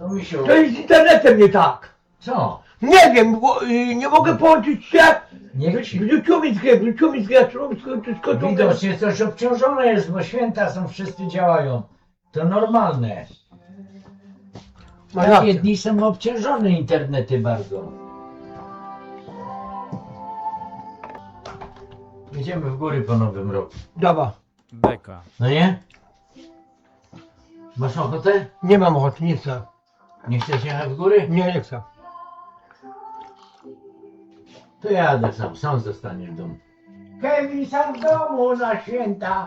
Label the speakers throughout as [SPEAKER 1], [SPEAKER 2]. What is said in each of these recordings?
[SPEAKER 1] No misiu,
[SPEAKER 2] To jest z internetem nie tak.
[SPEAKER 1] co?
[SPEAKER 2] Nie wiem, bo nie mogę połączyć się.
[SPEAKER 1] Niech ci.
[SPEAKER 2] Wrzuciło mi z gry, wszystko to.
[SPEAKER 1] Widocznie coś obciążone jest, bo święta są, wszyscy działają. To normalne.
[SPEAKER 2] Ma
[SPEAKER 1] Takie
[SPEAKER 2] rację.
[SPEAKER 1] dni są obciążone internety bardzo. Jedziemy w góry po nowym roku.
[SPEAKER 2] Dawa.
[SPEAKER 3] Beka.
[SPEAKER 1] No nie? Masz ochotę?
[SPEAKER 2] Nie mam ochoty, nie chcę.
[SPEAKER 1] Nie chcesz jechać w góry?
[SPEAKER 2] Nie chcę.
[SPEAKER 1] To jadę sam zostaniesz w domu. Kevin sam w domu na święta.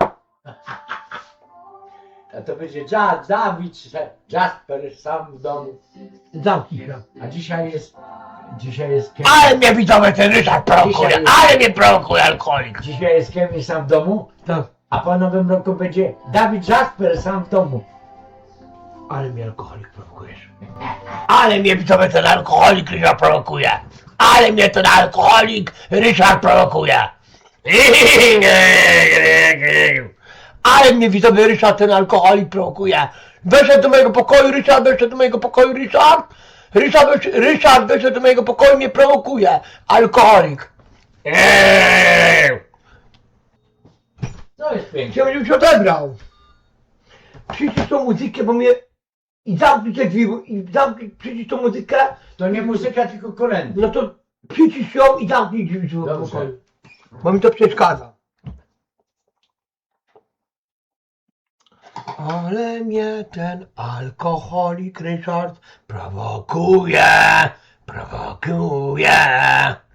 [SPEAKER 1] A to będzie Dawid, Jasper sam w domu.
[SPEAKER 2] Zamknij się.
[SPEAKER 1] A dzisiaj jest Kevin.
[SPEAKER 2] Ale mnie widzowie ten Ryszard prowokuje,
[SPEAKER 1] Dzisiaj-
[SPEAKER 2] ale mnie prowokuje alkoholik.
[SPEAKER 1] Dzisiaj jest Kevin sam w domu,
[SPEAKER 2] Tak,
[SPEAKER 1] a po nowym roku będzie Dawid Jasper sam w domu.
[SPEAKER 2] ale mnie alkoholik prowokujesz. Ale mnie widzowie ten alkoholik Ryszard prowokuje. Ale mnie ten alkoholik Ryszard prowokuje. Ale mnie widzowie Ryszard ten alkoholik prowokuje. Weszedł do mojego pokoju, Ryszard weszedł do mojego pokoju, Ryszard weszedł do mojego pokoju, mnie prowokuje. Alkoholik.
[SPEAKER 1] To jest piękne.
[SPEAKER 2] Chciałbym, żebyś odebrał. Przycisz tą muzykę, bo mnie... I zamknij te drzwi, przycisz tą muzykę,
[SPEAKER 1] To nie muzyka, tylko kolędy.
[SPEAKER 2] no to przycisz ją i zamknij drzwi do
[SPEAKER 1] Dobrze.
[SPEAKER 2] pokoju. Bo mi to przeszkadza. Ale mnie ten alkoholik Ryszard prowokuje.